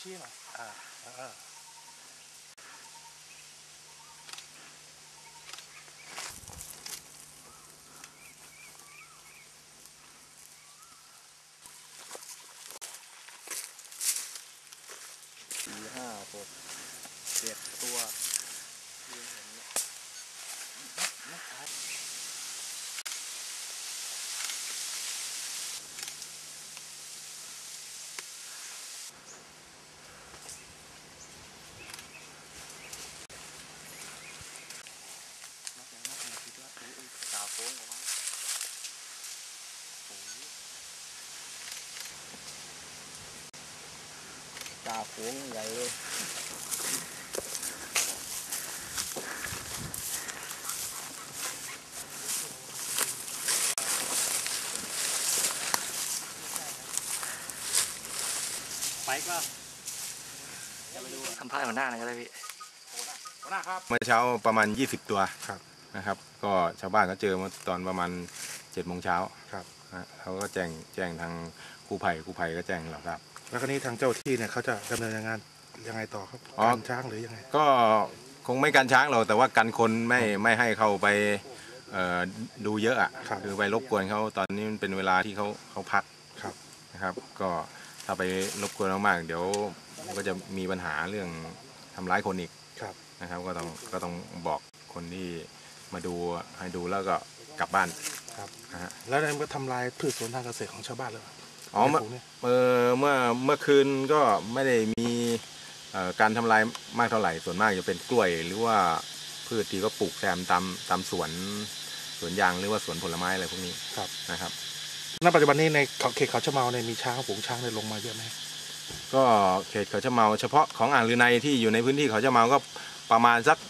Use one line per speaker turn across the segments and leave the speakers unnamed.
ชี้หน่อย4 5 6 7 ตัวนะครับตาโค้งออกมาตาโค้งใหญ่เลยไปก็ทำพลาดหัวหน้าหน่อยก็ได้พี่หัวหน้าครับ
เมื่อเช้าประมาณ20 ตัว
ครับ
นะครับก็ชาวบ้านก็เจอมาตอนประมาณ7 โมงเช้า
ครับ
เขาก็แจ้งทางกู้ภัยก็แจ้งเราครับ
แล้วก็นี้ทางเจ้าที่เนี่ยเขาจะดำเนินงานยังไงต่อครับการช้างหรือยังไง
ก็คงไม่กันช้างเราแต่ว่ากันคนไม่ให้เข้าไปดูเยอะอ่ะคือไปรบกวนเขาตอนนี้มันเป็นเวลาที่เขาพักนะครับก็ถ้าไปรบกวนมากๆเดี๋ยวมันก็จะมีปัญหาเรื่องทำร้ายคนอีกนะครับก็ต้องบอกคนที่มาดูให้ดูแล้วก็กลับบ้าน
ครับแล้วมันก็ทำลายพืชสวนทางเกษตรของชาวบ้านเลย
อ๋อเมื่อคืนก็ไม่ได้มีการทำลายมากเท่าไหร่ส่วนมากจะเป็นกล้วยหรือว่าพืชที่ก็ปลูกแซมตามสวนยางหรือว่าสวนผลไม้อะไรพวกนี้นะครับ
ณปัจจุบันนี้ในเขตเขาชะเมาเนี่ยมีช้างฝูงช้างได้ลงมาเยอะไหม
ก็เขตเขาชะเมาเฉพาะของอ่างลือในที่อยู่ในพื้นที่เขาชะเมาก็ประมาณสัก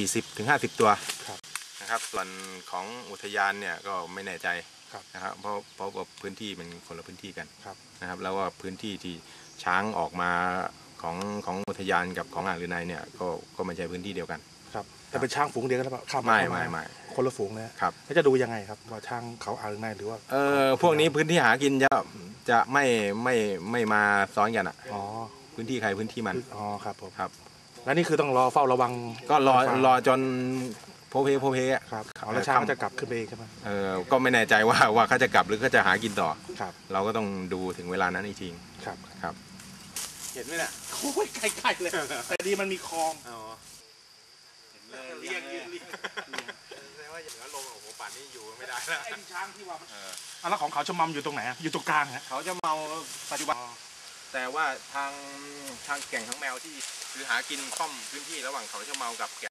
40-50 ตัวนะครับส่วนของอุทยานเนี่ยก็ไม่แน่ใจนะครับเพราะว่าพื้นที่เป็นคนละพื้นที่กันนะครับแล้วว่าพื้นที่ที่ช้างออกมาของอุทยานกับของอ่างลือในเนี่ยก็ไม่ใช่พื้นที่เดียวกัน
ครับแต่เป็นช้างฝูงเดียวกันหรือเปล่าข้าม
ไม่
คนละฝูงนะครับแล้วจะดูยังไงครับว่าช้างเขาอ่างลือในหรือว่า
พวกนี้พื้นที่หากินจะไม่มาซ้อนกันอ่ะพื้นที่ใครพื้นที่มัน
ครับผมครับแล้วนี่คือต้องรอเฝ้าระวัง
ก็รอจนโพเพอ่ะ
ครับแล้วช้างจะกลับขึ้นไปใช่ไหม
ก็ไม่แน่ใจว่าเขาจะกลับหรือเขาจะหากินต่อ
ครับ
เราก็ต้องดูถึงเวลานั้นอีกที
ครับ
เห็นไหมเนี่ย
โอ้ยไกลๆเลยแต่ดีมันมีคลอง
เรียกแสดงว่าอย่างนั้นลงโอ้โหป่านนี้อยู่ไม่ได้แล้ว
ไอ้ช้างที่ว่าแล้วของเขาชะมัมอยู่ตรงไหนอยู่ตรงกลางฮะ
เขาจะเมาปัจจุบันแต่ว่าทางแก่งทั้งแมวที่คือหากินค่อมพื้นที่ระหว่างเขาชะเมากับ